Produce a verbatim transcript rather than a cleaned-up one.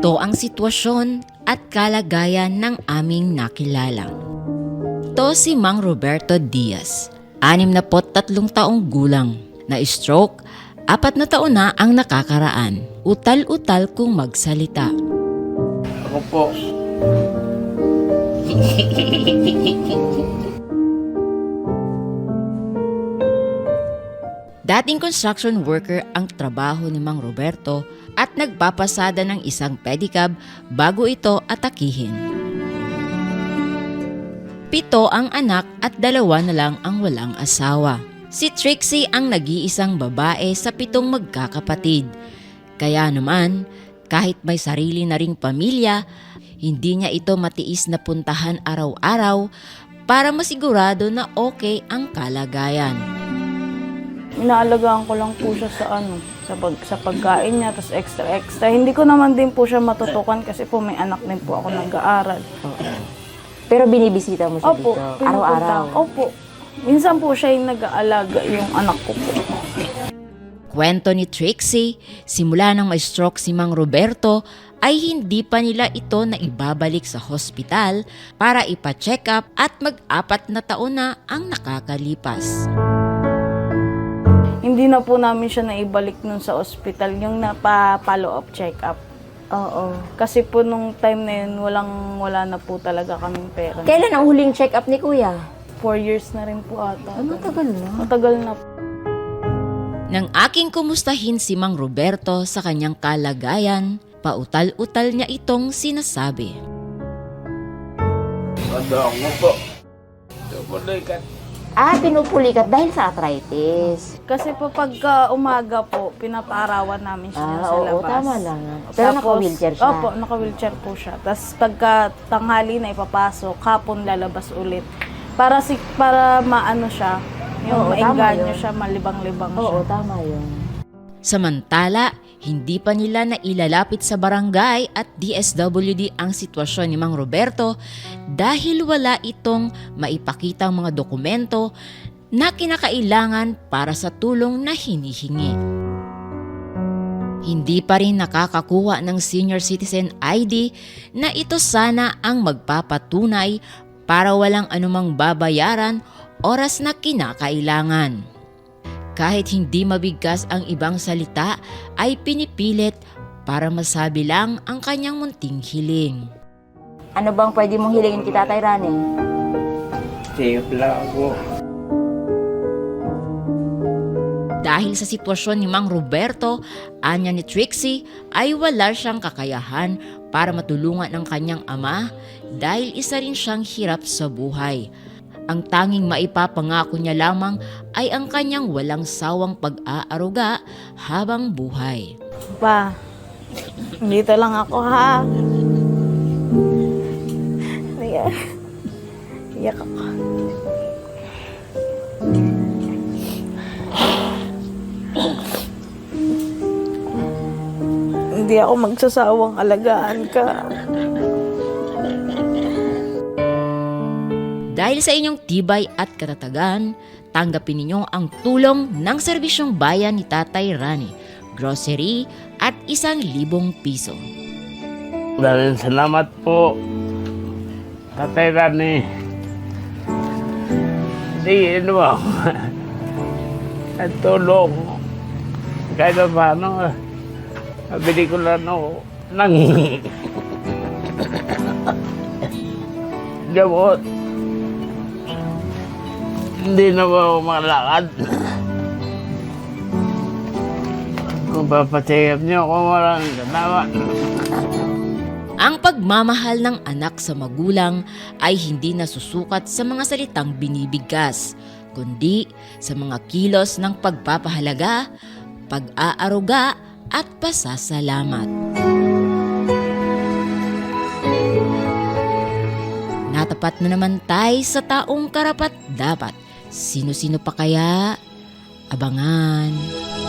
Ito ang sitwasyon at kalagayan ng aming nakilala. Ito si Mang Roberto Diaz, anim na tatlong taong gulang, na stroke, apat na taon na ang nakakaraan. Utal-utal kung magsalita. Ako po. Dating construction worker ang trabaho ni Mang Roberto at nagpapasada ng isang pedicab bago ito atakihin. Pito ang anak at dalawa na lang ang walang asawa. Si Trixie ang nag-iisang babae sa pitong magkakapatid. Kaya naman, kahit may sarili na ring pamilya, hindi niya ito matiis na puntahan araw-araw para masigurado na okay ang kalagayan. Inaalagaan ko lang po siya sa ano, sa, pag, sa pagkain niya, tapos extra-extra. Hindi ko naman din po siya matutukan kasi po may anak din po ako nag-aaral. Pero binibisita mo siya Opo, dito? pinupunta. Araw-araw? Opo. Minsan po siya yung nag-aalaga yung anak ko po. Kwento ni Trixie, simula nang may stroke si Mang Roberto ay hindi pa nila ito na ibabalik sa hospital para ipa-check up at mag-apat na taon na ang nakakalipas. Hindi na po namin siya naibalik nun sa ospital, yung napa-follow up check up. Oo. Kasi po nung time na yun, walang, wala na po talaga kaming pera. Kailan ang huling check-up ni Kuya? Four years na rin po ata. Ay, matagal na. Matagal na po. Nang aking kumustahin si Mang Roberto sa kanyang kalagayan, pautal-utal niya itong sinasabi. Madang mo po. Tumulikat. Ah, pinupulikat dahil sa arthritis. Kasi po pagka umaga po, pinapaarawan namin siya Ah, sa oo, labas. tama lang. Pero Tapos, naka-wheelchair siya? Opo, naka-wheelchair po siya. Tapos pagka tanghali na ipapasok, hapon lalabas ulit. Para si para maano siya, yung Oo, tama maengganyo yun. siya, malibang-libang Oo, siya. tama yun. Samantala, hindi pa nila nailalapit sa barangay at D S W D ang sitwasyon ni Mang Roberto dahil wala itong maipakitang mga dokumento na kinakailangan para sa tulong na hinihingi. Hindi pa rin nakakakuha ng senior citizen I D na ito sana ang magpapatunay para walang anumang babayaran oras na kinakailangan. Kahit hindi mabigkas ang ibang salita ay pinipilit para masabi lang ang kanyang munting hiling. Ano bang pwede mong hilingin kita, Tatay Rani? Safe lang ako. Dahil sa sitwasyon ni Mang Roberto, anya ni Trixie ay wala siyang kakayahan para matulungan ang kanyang ama dahil isa rin siyang hirap sa buhay. Ang tanging maipapangako niya lamang ay ang kanyang walang sawang pag-aaruga habang buhay. Pa, dito lang ako ha. Iyak. Iyak ako. Hindi ako magsasawang alagaan ka. Dahil sa inyong tibay at katatagan, tanggapin ninyo ang tulong ng serbisyong bayan ni Tatay Rani, grocery at isang libong piso. Maraming salamat po. Tatay Rani. Hindi, ano ba? At tulong. Kahit na paano, mabili ko lang ako ng gamot. Hindi na ba ako makalakad? Kung papatiyap niyo ako, walang ganawa. Ang pagmamahal ng anak sa magulang ay hindi nasusukat sa mga salitang binibigkas, kundi sa mga kilos ng pagpapahalaga, pag-aaruga at pasasalamat. Natapat na naman tayo sa taong karapat-dapat. Sino-sino pa kaya? Abangan.